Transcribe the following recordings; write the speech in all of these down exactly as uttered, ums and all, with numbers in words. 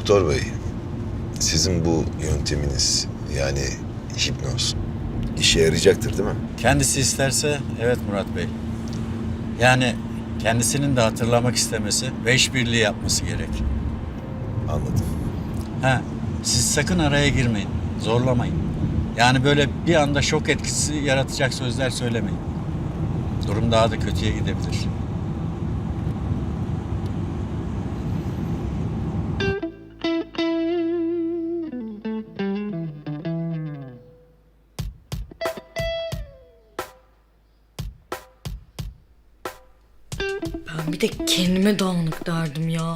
Doktor bey, sizin bu yönteminiz yani hipnoz işe yarayacaktır değil mi? Kendisi isterse evet Murat Bey. Yani kendisinin de hatırlamak istemesi ve işbirliği yapması gerek. Anladım. Ha, siz sakın araya girmeyin, zorlamayın. Yani böyle bir anda şok etkisi yaratacak sözler söylemeyin. Durum daha da kötüye gidebilir. Ben bir de kendime dağınık derdim ya.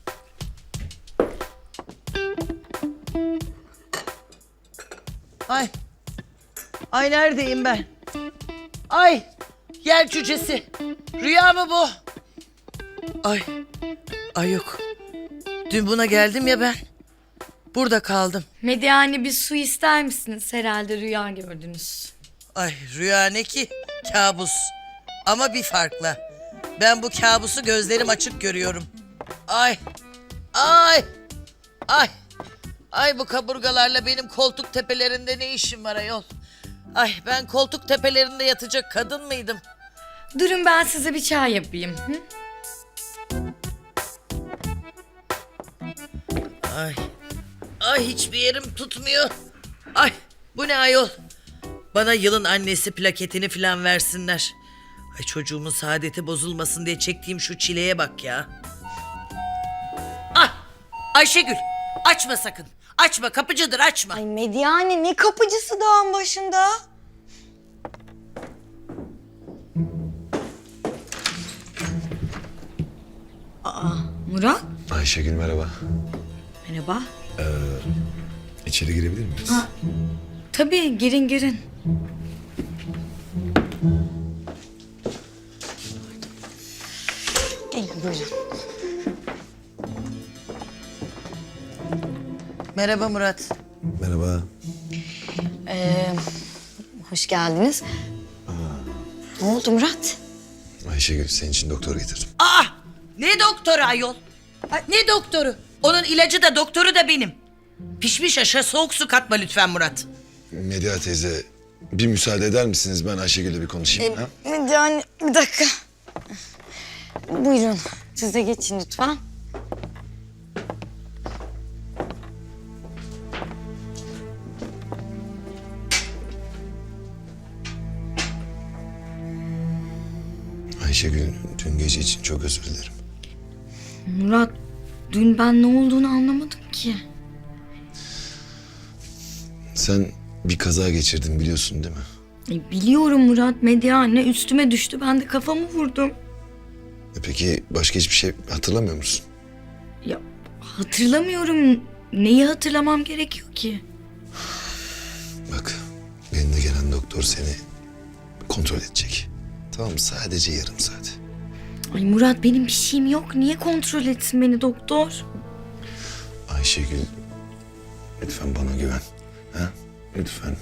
Ay. Ay neredeyim ben? Ay. Yer cücesi. Rüya mı bu? Ay. Ay yok. Dün buna geldim ya ben. Burada kaldım. Medyane bir su ister misiniz? Herhalde rüya gördünüz. Ay rüya ne ki? Kabus. Ama bir farkla. Ben bu kabusu gözlerim açık görüyorum. Ay. Ay. Ay. Ay bu kaburgalarla benim koltuk tepelerinde ne işim var ayol? Ay ben koltuk tepelerinde yatacak kadın mıydım? Durun ben size bir çay yapayım. Hı? Ay. Ay hiçbir yerim tutmuyor. Ay bu ne ayol? Bana yılın annesi plaketini falan versinler. Ay çocuğumun saadeti bozulmasın diye çektiğim şu çileye bak ya. Ah Ayşegül açma sakın. Açma kapıcıdır açma. Ay Medyane ne kapıcısı dağın başında? Aa Murat. Ayşegül merhaba. Merhaba. İçeri girebilir miyiz? Ha. Tabii girin girin. Gelin buyurun. Merhaba Murat. Merhaba. Ee, hoş geldiniz. Ne oldu Murat? Ayşegül senin için doktor getirdim. Aa ne doktoru ayol? Ay, ne doktoru? Onun ilacı da doktoru da benim. Pişmiş aşa soğuk su katma lütfen Murat. Medya teyze bir müsaade eder misiniz? Ben Ayşegül'le bir konuşayım. ha? Medyane bir dakika. Buyurun siz de geçin lütfen. Ayşegül dün gece için çok özür dilerim. Murat dün ben ne olduğunu anlamadım ki. Sen bir kaza geçirdin biliyorsun değil mi? E, biliyorum Murat Medyane üstüme düştü ben de kafamı vurdum. E peki başka hiçbir şey hatırlamıyor musun? Ya hatırlamıyorum. Neyi hatırlamam gerekiyor ki? Bak benimle gelen doktor seni kontrol edecek. Tamam mı? Sadece yarım saat. Ay Murat benim bir şeyim yok. Niye kontrol etsin beni doktor? Ayşegül lütfen bana güven. Ha? Lütfen.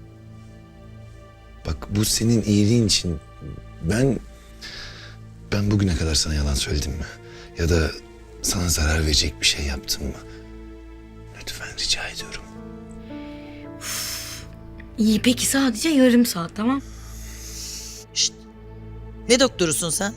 Bak bu senin iyiliğin için ben ben bugüne kadar sana yalan söyledim mi? Ya da sana zarar verecek bir şey yaptım mı? Lütfen rica ediyorum. İyi peki sadece yarım saat tamam. Şşt. Ne doktorusun sen?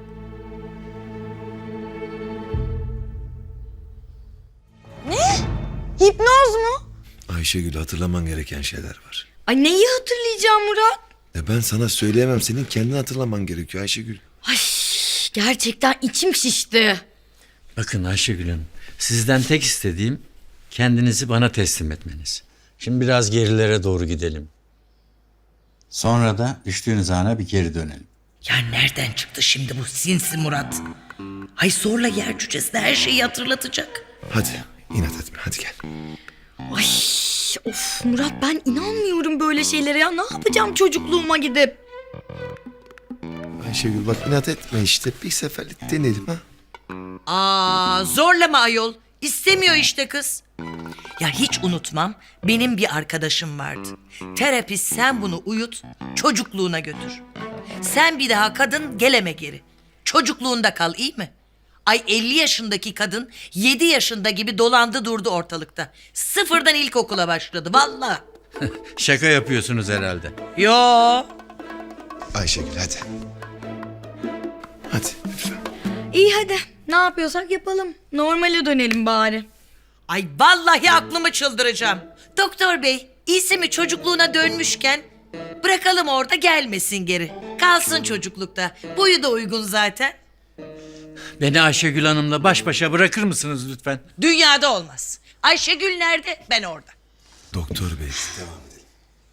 Hipnoz mu? Ayşegül hatırlaman gereken şeyler var. Ay neyi hatırlayacağım Murat? Ya ben sana söyleyemem. Senin kendin hatırlaman gerekiyor Ayşegül. Ay gerçekten içim şişti. Bakın Ayşegül, sizden tek istediğim kendinizi bana teslim etmeniz. Şimdi biraz gerilere doğru gidelim. Sonra da düştüğünüz ana bir geri dönelim. Ya nereden çıktı şimdi bu sinsi Murat? Ay zorla yer cücesine her şeyi hatırlatacak. Hadi inat etme hadi gel. Ay of Murat ben inanmıyorum böyle şeylere ya. Ne yapacağım çocukluğuma gidip? Ayşegül bak inat etme işte. Bir seferlik deneyelim ha. Aa zorlama ayol. İstemiyor işte kız. Ya hiç unutmam benim bir arkadaşım vardı. Terapist sen bunu uyut çocukluğuna götür. Sen bir daha kadın geleme geri. Çocukluğunda kal iyi mi? Ay elli yaşındaki kadın yedi yaşında gibi dolandı durdu ortalıkta. Sıfırdan ilkokula başladı vallahi. Şaka yapıyorsunuz herhalde. Yo. Ayşegül hadi. Hadi lütfen. İyi hadi. Ne yapıyorsak yapalım. Normale dönelim bari. Ay vallahi aklımı çıldıracağım. Doktor bey, iyisi mi çocukluğuna dönmüşken bırakalım orada gelmesin geri. Kalsın çocuklukta. Boyu da uygun zaten. Beni Ayşegül Hanım'la baş başa bırakır mısınız lütfen? Dünyada olmaz. Ayşegül nerede? Ben orada. Doktor bey devam edelim.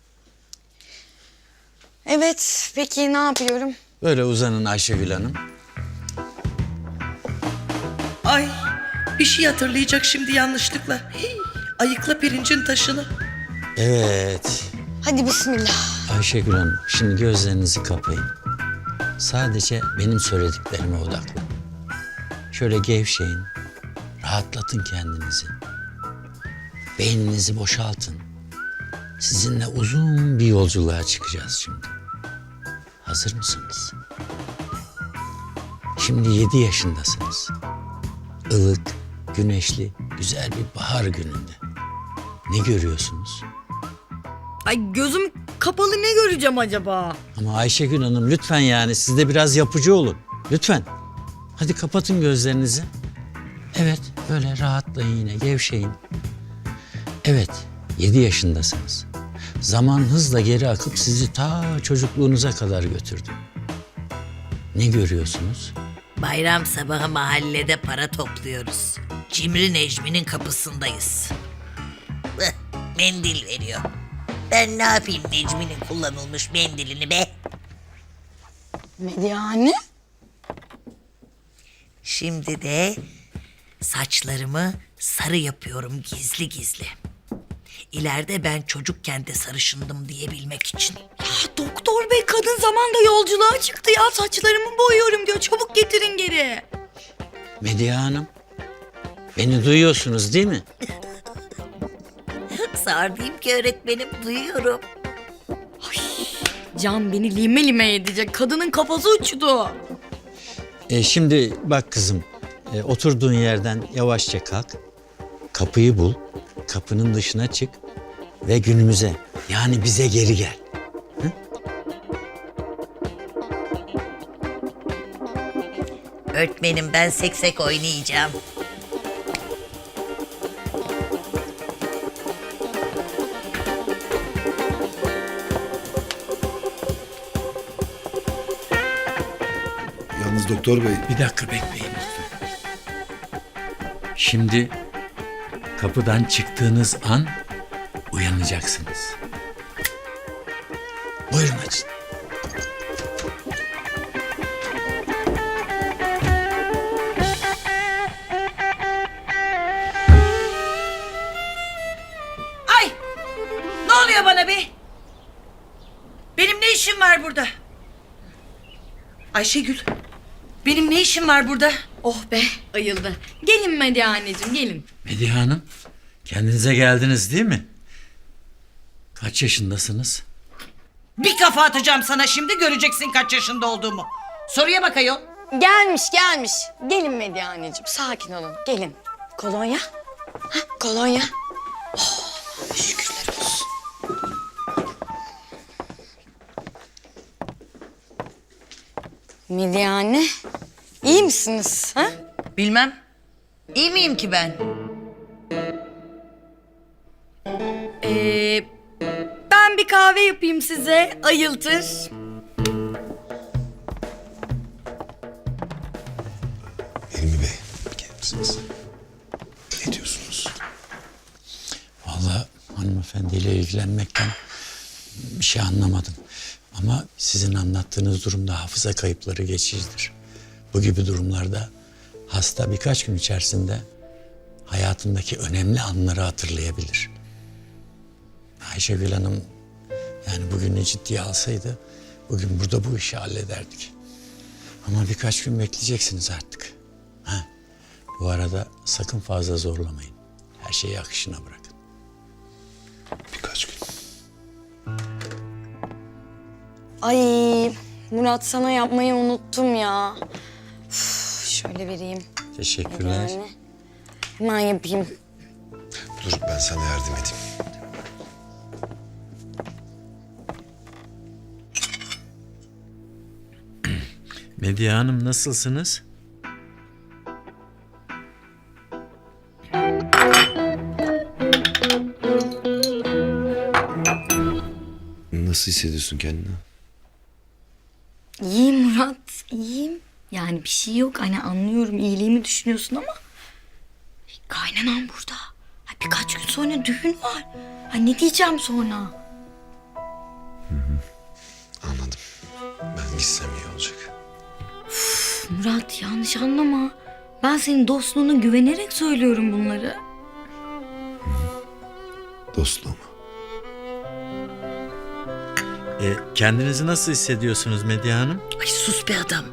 Evet. Peki ne yapıyorum? Böyle uzanın Ayşegül Hanım. Ay bir şey hatırlayacak şimdi yanlışlıkla. Hii, ayıkla pirincin taşını. Evet. Hadi bismillah. Ayşegül Hanım, şimdi gözlerinizi kapayın. Sadece benim söylediklerime odaklanın. Şöyle gevşeyin, rahatlatın kendinizi. Beyninizi boşaltın. Sizinle uzun bir yolculuğa çıkacağız şimdi. Hazır mısınız? Şimdi yedi yaşındasınız. Ilık, güneşli, güzel bir bahar gününde. Ne görüyorsunuz? Ay gözüm kapalı ne göreceğim acaba? Ama Ayşegül Hanım lütfen yani siz de biraz yapıcı olun. Lütfen. Hadi kapatın gözlerinizi. Evet böyle rahatlayın yine gevşeyin. Evet yedi yaşındasınız. Zaman hızla geri akıp sizi ta çocukluğunuza kadar götürdü. Ne görüyorsunuz? Bayram sabahı mahallede para topluyoruz. Cimri Necmi'nin kapısındayız. Hıh, mendil veriyor. Ben ne yapayım Necmi'nin kullanılmış mendilini be? Medyane? Şimdi de saçlarımı sarı yapıyorum gizli gizli. İleride ben çocukken de sarışındım diyebilmek için. Ya doktor bey kadın zamanda yolculuğa çıktı ya. Saçlarımı boyuyorum diyor. Çabuk getirin geri. Medya Hanım. Beni duyuyorsunuz değil mi? Sağır diyeyim ki öğretmenim duyuyorum. Can beni lime lime edecek. Kadının kafası uçtu. E, şimdi bak kızım. e, oturduğun yerden yavaşça kalk. Kapıyı bul. Kapının dışına çık. Ve günümüze yani bize geri gel. Öğretmenim ben seksek oynayacağım. Yalnız doktor bey Bir dakika bekleyin lütfen. Şimdi kapıdan çıktığınız an uyanacaksınız. Buyurun açın. Ay! Ne oluyor bana be? Benim ne işim var burada? Ayşegül, benim ne işim var burada? Oh be ayıldı. Gelin Medyaneciğim gelin. Medya Hanım, kendinize geldiniz değil mi? Kaç yaşındasınız? Bir kafa atacağım sana şimdi göreceksin kaç yaşında olduğumu. Soruya bak ayol. Gelmiş gelmiş. Gelin Medyaneciğim sakin olun. Gelin. Kolonya. Hah, kolonya. Oh, şükürler olsun. Medyane. İyi misiniz? Ha? Bilmem. İyi miyim ki ben? Ee, ben bir kahve yapayım size. Ayıltır. Hilmi Bey gelir misiniz? Ne diyorsunuz? Vallahi hanımefendiyle ilgilenmekten bir şey anlamadım. Ama sizin anlattığınız durumda hafıza kayıpları geçicidir. Bu gibi durumlarda hasta birkaç gün içerisinde hayatındaki önemli anları hatırlayabilir. Ayşegül Hanım yani bugünü ciddiye alsaydı bugün burada bu işi hallederdik. Ama birkaç gün bekleyeceksiniz artık. Ha. Bu arada sakın fazla zorlamayın. Her şeyi akışına bırakın. Birkaç gün. Ay Murat sana yapmayı unuttum ya. Üf, şöyle vereyim. Teşekkürler. Yani. Hemen yapayım. Dur ben sana yardım edeyim. Medya Hanım nasılsınız? Nasıl hissediyorsun kendini? İyiyim Murat, iyiyim. Yani bir şey yok. Hani anlıyorum iyiliğimi düşünüyorsun ama... Kaynanan burada. Ha, birkaç gün sonra düğün var. Ha, ne diyeceğim sonra? Anladım. Ben gitsem iyi olacak. Murat yanlış anlama. Ben senin dostluğuna güvenerek söylüyorum bunları. Dostluğumu. E, kendinizi nasıl hissediyorsunuz Medya Hanım? Ay sus be adam.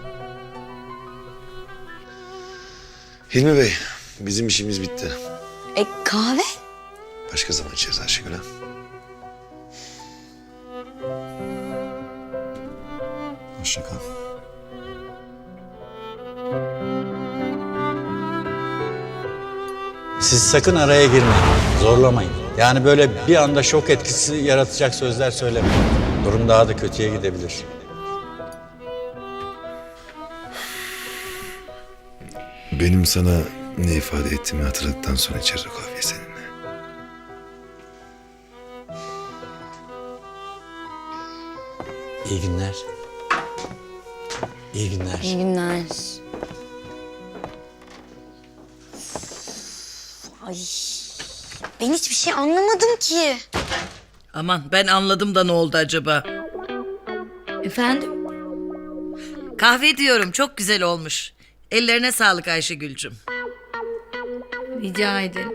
Hilmi Bey, bizim işimiz bitti. E kahve? Başka zaman içeriz Ayşegül ha. Hoşça kal. Siz sakın araya girmeyin. Zorlamayın. Yani böyle bir anda şok etkisi yaratacak sözler söylemeyin. Durum daha da kötüye gidebilir. Benim sana ne ifade ettiğimi hatırladıktan sonra içeriz o kahveyi seninle. İyi günler. İyi günler. İyi günler. Ay, ben hiçbir şey anlamadım ki. Aman ben anladım da ne oldu acaba? Efendim? Kahve diyorum çok güzel olmuş. Ellerine sağlık Ayşegül'cüm. Rica ederim.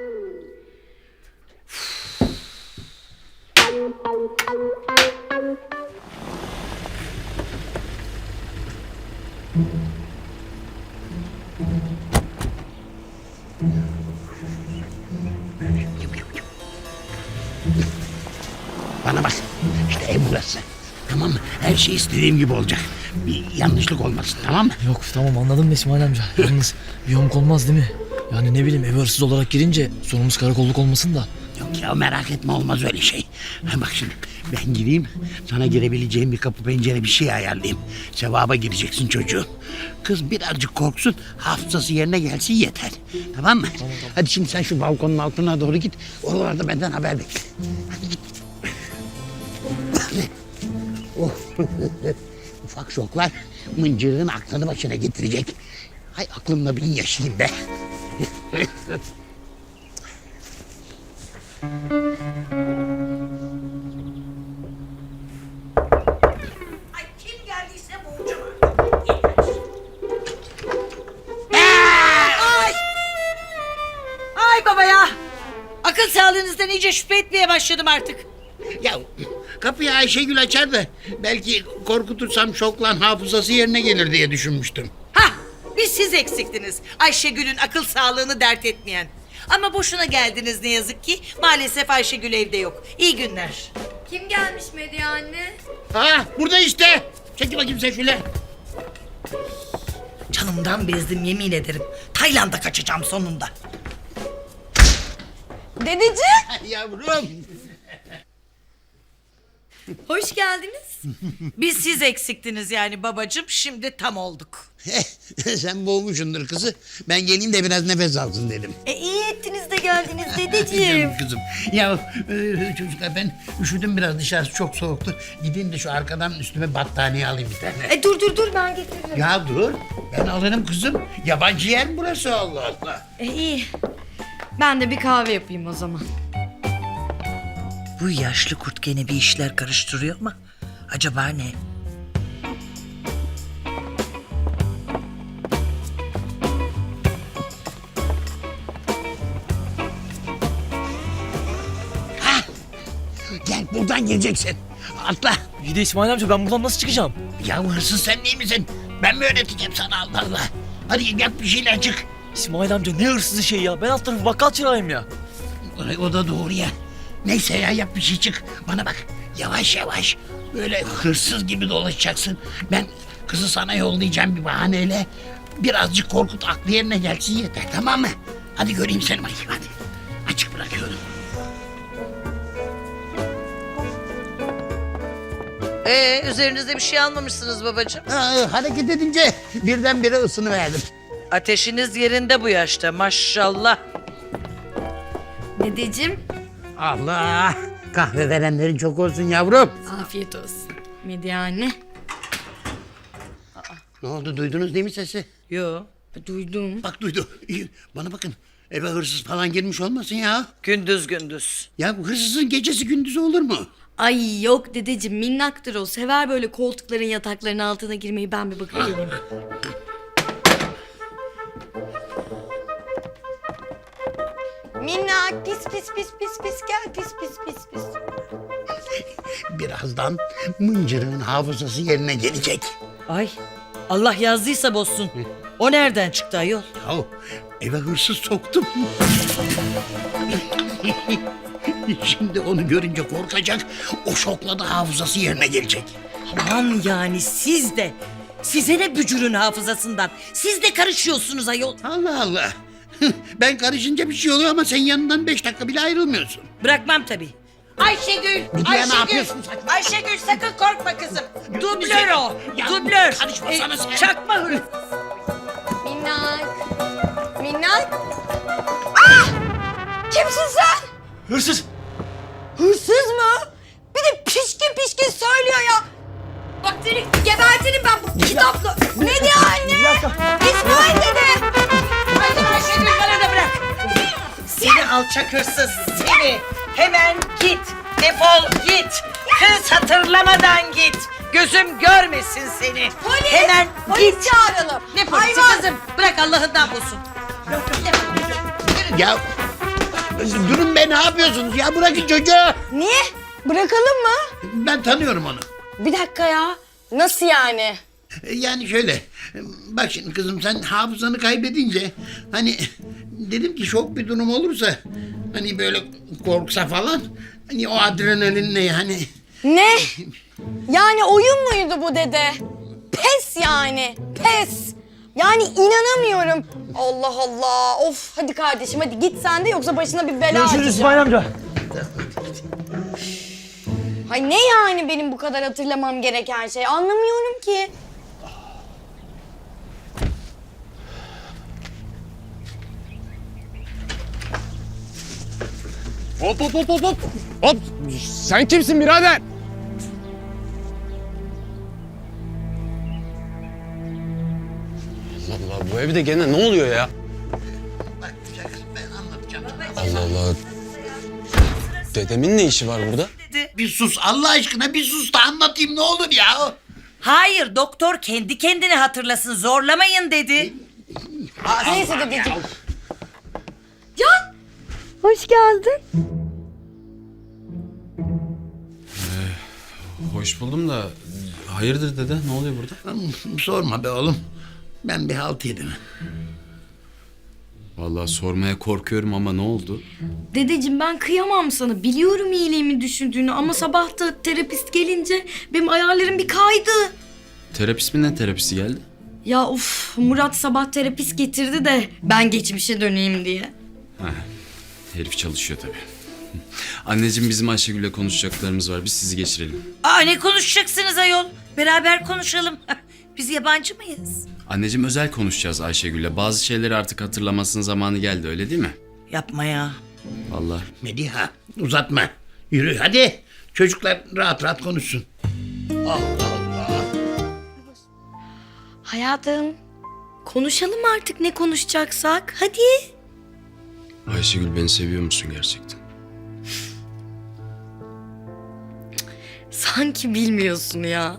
Bana bak. İşte ev burası. Tamam mı? Her şey istediğim gibi olacak. Bir yanlışlık olmasın, tamam mı? Yok tamam anladım da İsmail amca. Yalnız bir yamuk olmaz değil mi? Yani ne bileyim ev hırsız olarak girince sorumuz karakolluk olmasın da. Yok ya, merak etme, olmaz öyle şey. Ha, bak şimdi ben gireyim, sana girebileceğim bir kapı pencere bir şey ayarlayayım. Sevaba gireceksin çocuğum. Kız birazcık korksun, hafızası yerine gelsin yeter. Tamam mı? Tamam, tamam. Hadi şimdi sen şu balkonun altına doğru git. Oralarda benden haber bekle. Hadi git. Oh. Ufak şoklar mıncırığın aklını başına getirecek. Hay aklımla bin yaşayayım be. Ay kim geldiyse boğacağım. Ay! Ay baba ya! Akıl sağlığınızdan iyice şüphe etmeye başladım artık. Ya kapıyı Ayşegül açar da belki korkutursam şoklan hafızası yerine gelir diye düşünmüştüm. Hah! Bir siz eksiktiniz. Ayşegül'ün akıl sağlığını dert etmeyen. Ama boşuna geldiniz ne yazık ki. Maalesef Ayşegül evde yok. İyi günler. Kim gelmiş Medya anne? Ha burada işte. Çekil bakayım sen şöyle. Canımdan bezdim yemin ederim. Tayland'a kaçacağım sonunda. Dedeciğim. Yavrum. Hoş geldiniz. Biz siz eksiktiniz yani babacığım. Şimdi tam olduk. Sen boğmuşsundur kızı. Ben geleyim de biraz nefes alsın dedim. E iyi ettiniz de geldiniz dedeciğim. Canım kızım. Ya e, çocuklar ben üşüdüm biraz, dışarısı çok soğuktu. Gideyim de şu arkadan üstüme battaniye alayım bir tane. E dur dur dur ben getiririm. Ya dur. Ben alırım kızım. Yabancı yer mi burası, Allah Allah. E iyi. Ben de bir kahve yapayım o zaman. Bu yaşlı kurt gene bir işler karıştırıyor ama acaba ne? Gel buradan geleceksin. Atla. İyi de İsmail amca ben buradan nasıl çıkacağım? Ya hırsız sen değil misin? Ben mi öğreteceğim sana, Allah Allah. Hadi yap bir şeyler, çık. İsmail amca ne hırsızı şey ya. Ben alt tarafı bakkal çırağıyım ya. Ay, o da doğru ya. Neyse ya, yap bir şey, çık. Bana bak, yavaş yavaş. Böyle hırsız gibi dolaşacaksın. Ben kızı sana yollayacağım bir bahaneyle. Birazcık korkut, aklı yerine gelsin yeter, tamam mı? Hadi göreyim seni bakayım, hadi. Açık bırakıyorum. Ee, üzerinizde bir şey almamışsınız babacığım. Aa, hareket edince birdenbire ısınıverdim. Ateşiniz yerinde bu yaşta maşallah. Dedeciğim Allah! Kahve verenlerin çok olsun yavrum. afiyet olsun. Medya anne. Ne oldu, duydunuz değil mi sesi? Yo, Duydum. Bak duydu. İyi, bana bakın. Eve hırsız falan girmiş olmasın ya. gündüz gündüz. Ya bu hırsızın gecesi gündüzü olur mu? Ay yok dedeciğim minnaktır o. Sever böyle koltukların yatakların altına girmeyi. Ben bir bakıp geleyim. Minnak pis pis pis pis pis gel pis pis pis pis. Birazdan mıncırığın hafızası yerine gelecek. Ay, Allah yazdıysa bozsun. O nereden çıktı ayol? Ya eve hırsız soktum. Şimdi onu görünce korkacak. O şokla da hafızası yerine gelecek. Aman yani siz de. Size ne bücürün hafızasından? Siz de karışıyorsunuz ayol. Allah Allah. Ben karışınca bir şey oluyor ama sen yanından beş dakika bile ayrılmıyorsun. Bırakmam tabii. Ayşegül, Müdüre ne yapıyorsun sen? Ayşegül sakın korkma kızım. Dublör o, Ya, dublör. karışmasana sen. Çakma hırsız. Minnak. Minnak. Ah! Kimsin sen? Hırsız. Hırsız mı? Bir de pişkin pişkin söylüyor ya. Bak seni gebertirim ben bu kitapla. Ne diyor anne? İsmail dede. Haydi Ayşegül bana da bırak. Seni alçak hırsız seni. Hemen git. Defol git. Kız hatırlamadan git. Gözüm görmesin seni. Polis. Hemen Polis git. çağıralım. Ne polisi Hayvan. kızım? Bırak Allah'ından bulsun. Ya durun be, ne yapıyorsunuz ya, bırakın çocuğu. Niye? Bırakalım mı? Ben tanıyorum onu. Bir dakika ya. Nasıl yani? Yani şöyle, bak şimdi kızım, sen hafızanı kaybedince hani dedim ki şok bir durum olursa, hani böyle korksa falan, hani o adrenalinle yani. Ne? Yani oyun muydu bu dede? Pes yani. Pes. Yani inanamıyorum. Allah Allah. Of hadi kardeşim hadi git sen de yoksa başına bir bela Görüşürüz açacağım. İsmail amca. Hay ne yani benim bu kadar hatırlamam gereken şey? Anlamıyorum ki. Hop hop hop hop hop. Hop. Sen kimsin birader? Allah Allah, bu evde gene ne oluyor ya? Bak güzel kızım, ben anlatacağım. Allah Allah. Dedemin ne işi var burada? Bir sus Allah aşkına, bir sus da anlatayım ne olur ya. Hayır doktor kendi kendine hatırlasın zorlamayın dedi. Neyse dedeciğim. Can! Hoş geldin. Hoş buldum da hayırdır dede, ne oluyor burada? Sorma be oğlum, ben bir halt yedim. Vallahi sormaya korkuyorum ama ne oldu? Dedeciğim ben kıyamam sana. Biliyorum iyiliğimi düşündüğünü ama sabah da terapist gelince benim ayarlarım bir kaydı. Terapist mi, ne terapisi geldi? Ya of Murat sabah terapist getirdi de ben geçmişe döneyim diye. Herif çalışıyor tabii. Anneciğim, bizim Ayşegül'le konuşacaklarımız var. Biz sizi geçirelim. Aa ne konuşacaksınız ayol? Beraber konuşalım. Biz yabancı mıyız? Anneciğim, özel konuşacağız Ayşegül'le. Bazı şeyleri artık hatırlamasının zamanı geldi, öyle değil mi? Yapma ya. Vallahi. Mediha uzatma, yürü hadi. Çocuklar rahat rahat konuşsun. Allah Allah. Hayatım konuşalım artık ne konuşacaksak. Hadi. Ayşegül, beni seviyor musun gerçekten? Sanki bilmiyorsun ya.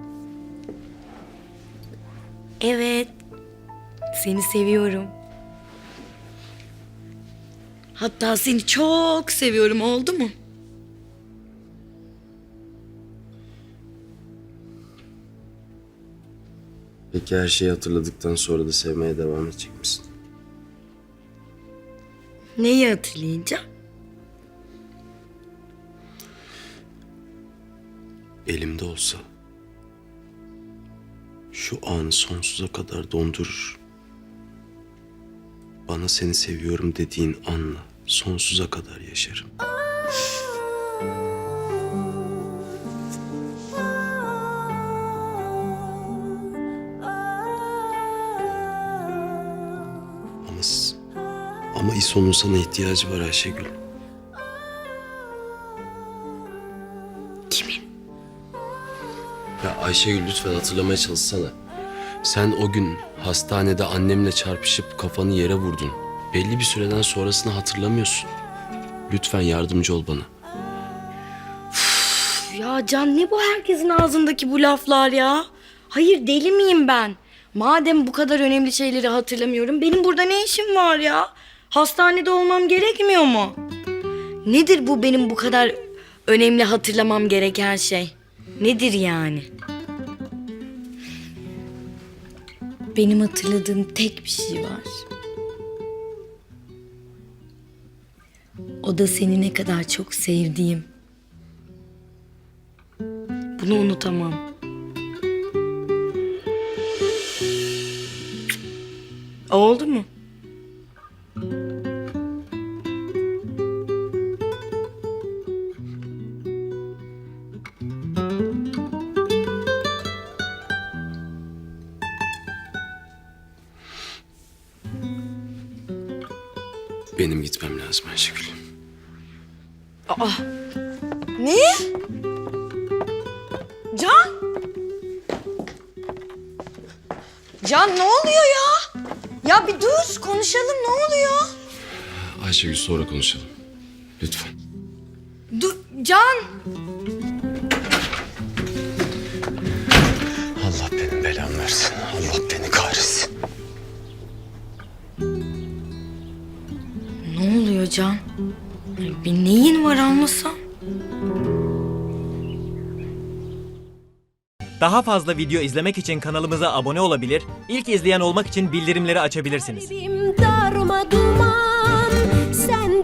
Evet. Seni seviyorum. Hatta seni çok seviyorum, oldu mu? Peki her şeyi hatırladıktan sonra da sevmeye devam edecek misin? Neyi hatırlayınca? Elimde olsa şu anı sonsuza kadar dondurur, bana seni seviyorum dediğin anla sonsuza kadar yaşarım. Ama, s- ama İso'nun sana ihtiyacı var Ayşegül. Kimin? Ya Ayşegül lütfen hatırlamaya çalışsana. Sen o gün hastanede annemle çarpışıp kafanı yere vurdun. Belli bir süreden sonrasını hatırlamıyorsun. Lütfen yardımcı ol bana. Ya Can, ne bu herkesin ağzındaki bu laflar ya? Hayır, deli miyim ben? Madem bu kadar önemli şeyleri hatırlamıyorum, benim burada ne işim var ya? Hastanede olmam gerekmiyor mu? Nedir bu benim bu kadar önemli hatırlamam gereken şey? Nedir yani? Benim hatırladığım tek bir şey var. O da seni ne kadar çok sevdiğim. Bunu unutamam. Oldu mu? Benim gitmem lazım Ayşegül. Ne? Can? Can, ne oluyor ya? Ya bir dur, konuşalım, ne oluyor? Ayşegül sonra konuşalım. Lütfen. Dur, Can! Allah benim belamı versin. Allah beni kahretsin. Ne oluyor Can? Bir neyin var anlasam? Daha fazla video izlemek için kanalımıza abone olabilir, ilk izleyen olmak için bildirimleri açabilirsiniz. Darma duman, sen